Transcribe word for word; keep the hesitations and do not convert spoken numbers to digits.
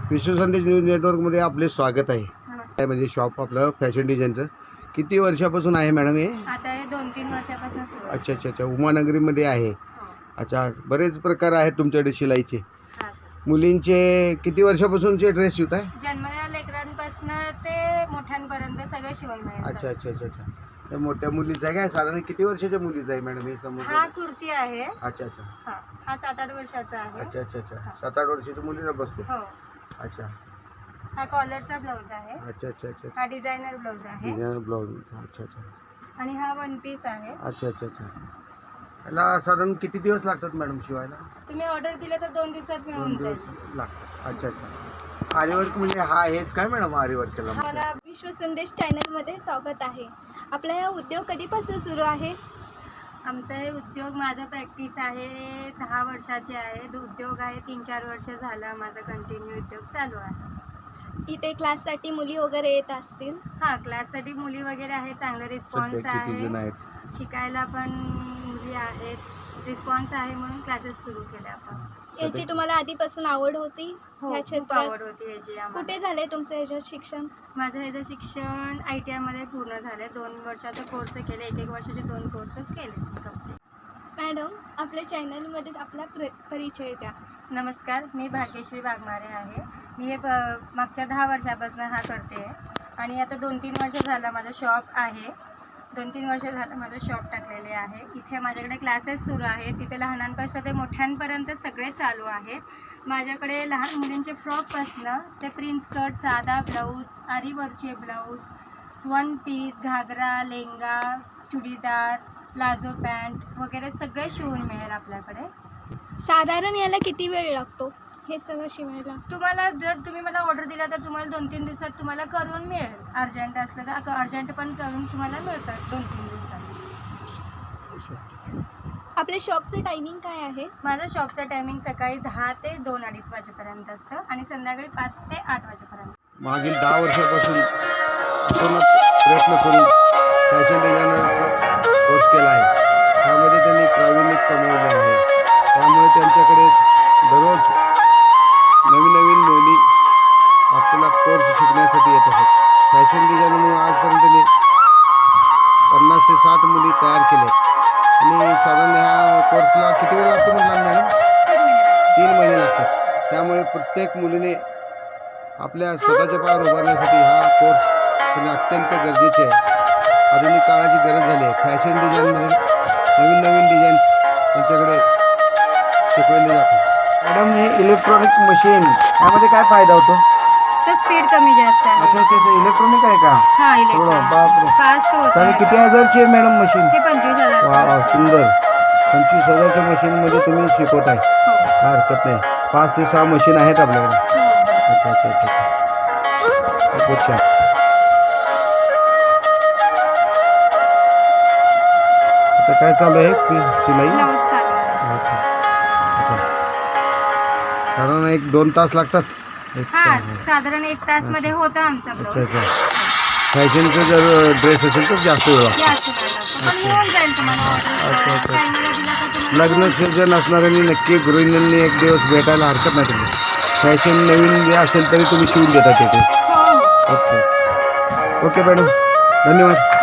विश्व संदेश न्यूज नेटवर्कमध्ये आपले स्वागत आहे. नमस्ते. म्हणजे शॉप आपलं फॅशन डिझाईनचं किती वर्षापासून आहे मॅडम हे? आता हे दोन तीन वर्षापासून सुरू आहे. अच्छा अच्छा अच्छा उमानगरीमध्ये आहे. हो. अच्छा, बरेच प्रकार आहेत तुमच्याकडे शिलाईचे. हा सर. मुलींचे किती वर्षापासूनचे ड्रेस शिवत आहे? जन्मलेल्या लेकरांपासून ते मोठ्यांपर्यंत सगळं शिवून मिळेल. अच्छा अच्छा अच्छा अच्छा त्या मोठ्या मुलीचं आहे काय? साधारण किती वर्षाच्या मुलीचं आहे मॅडम हे समोर? हा कुर्ती आहे. अच्छा अच्छा हा हा सात आठ वर्षाचा आहे. अच्छा अच्छा अच्छा सात आठ वर्षाच्या मुलीला बसतो. हो. अच्छा हा कॉलरचा ब्लाऊज आहे. अच्छा अच्छा अच्छा हा डिझायनर ब्लाऊज आहे. Designer blouse. अच्छा अच्छा आणि हा वन पीस आहे. अच्छा अच्छा अच्छा याला साधारण किती दिवस लागतात मॅडम शिवायला? तुम्ही ऑर्डर दिले तर दोन दिवसात दोन मिळून दिवस जाईल. लागतात. अच्छा अच्छा आरीवर्क म्हणजे हा हेच काय मॅडम आरीवर्कला? मला विश्व संदेश चॅनलमध्ये स्वागत आहे. आपला हा उद्योग कधीपासून सुरू आहे? आमचा हे उद्योग माझा प्रॅक्टिस आहे दहा वर्षाचे आहे. उद्योग आहे तीन चार वर्ष झाला माझा कंटिन्यू उद्योग चालू आहे. इथे क्लाससाठी मुली वगैरे येत असतील? हां, क्लाससाठी मुली वगैरे आहे. चांगला रिस्पॉन्स सध्या किती जण आहे. आहेत? शिकायला पण मुली आहेत. रिस्पॉन्स आहे म्हणून क्लासेस सुरू केले आपण. याची तुम्हाला आधीपासून आवड होती? हो, ह्या खूप क्षेत्रात आवड होती याची आम्हाला. कुठे झालंय तुमचं ह्याच्यात शिक्षण? माझं ह्याचं शिक्षण आय टी आयमध्ये पूर्ण झालं. दोन वर्षाचे कोर्स केले. एक एक वर्षाचे दोन कोर्सेस केले कंप्लीट. मॅडम, आपल्या चॅनलमध्ये आपला प्र परिचय द्या. नमस्कार, मी भाग्यश्री वाघमारे आहे. मी हे प- मागच्या दहा वर्षापासून हा करते आणि आता दोन तीन वर्ष झालं माझं शॉप आहे. दोन तीन वर्ष झालं माझं शॉप टाकलेले आहे. इथे माझ्याकडे क्लासेस सुरू आहेत. तिथे लहानांपासून ते मोठ्यांपर्यंत सगळे चालू आहेत. माझ्याकडे लहान मुलींचे फ्रॉकपासनं ते प्रिन्स स्कर्ट, साधा ब्लाऊज, आरीवर्कचे ब्लाऊज, वन पीस, घागरा, लेंगा, चुडीदार, प्लाझो पॅन्ट वगैरे सगळे शिवून मिळेल आपल्याकडे. साधारण याला किती वेळ लागतो हे सगळं शिवायला? तुम्हाला जर तुम्ही मला ऑर्डर दिला तर तुम्हाला दोन तीन दिवसात तुम्हाला करून मिळेल. अर्जंट असलं तर अर्जंट पण करून तुम्हाला मिळतात दोन तीन दिवसात. आपल्या शॉपचं टायमिंग काय आहे? माझं शॉपचं टायमिंग सकाळी दहा ते दोन अडीच वाजेपर्यंत असतं आणि संध्याकाळी पाच ते आठ वाजेपर्यंत. मागील दहा वर्षापासून आपण प्रयत्न करून फॅशन डिझायनरचा कोर्स केला आहे. त्यामध्ये त्यांनी प्रावीण्य कमवले आहे. त्यामुळे त्यांच्याकडे दररोज नवीन नवीन मुली आपला कोर्स शिकण्यासाठी येत आहेत. फॅशन डिझायनरमुळे आजपर्यंत त्यांनी पन्नास ते साठ मुली तयार केल्या आणि साधारण ह्या कोर्सला किती वेळ लागतो म्हटलं मॅडम? तीन महिने लागतात. त्यामुळे प्रत्येक मुलीने आपल्या स्वतःच्या पायावर उभारण्यासाठी हा कोर्स करणे अत्यंत गरजेचे आहे. आधुनिक काळाची गरज झाली आहे. फॅशन डिझाईनमध्ये नवीन नवीन डिझाईन्स त्यांच्याकडे शिकवले जातात. मॅडम, हे इलेक्ट्रॉनिक मशीन यामध्ये काय फायदा होतो? तर स्पीड कमी जास्त आहे. अच्छा अच्छा इलेक्ट्रॉनिक आहे का? हां, थोडं इलेक्ट्रॉनिक बापरे. फास्ट तर होतं. किती हजारची आहे मॅडम मशीन? हे पंचवीस वा हजार. वा सुंदर. पंचवीस हजारच्या मशीनमध्ये तुम्ही शिकवत आहे. काय हरकत नाही. पाच ते सहा मशीन आहेत आपल्याकडे. अच्छा अच्छा अच्छा अच्छा खूप छान. आता काय चालू आहे पी- शिलाई? ब्लाऊज चालू. अच्छा अच्छा साधारण एक दोन तास लागतात. एक हां, तास. साधारण एक तास मध्ये होतं आमचा अच्छा ब्लाऊज. अच्छा फॅशनचं जर ड्रेस असेल तर जास्त वेळ लागतो. जास्त वेळ लागतो. पण मिळून जाईल तुम्हाला अच्छा, ऑर्डर. अच्छा. टायमाला दिला तर तुम्हाला लग्न सीझन असणाऱ्यांनी नक्की गृहिणींनी एक दिवस भेटायला हरकत नाही. तुम्ही फॅशन नवीन जे असेल तरी तुम्ही शिवून देता तिथे. हो हो. ओके ओके मॅडम, धन्यवाद.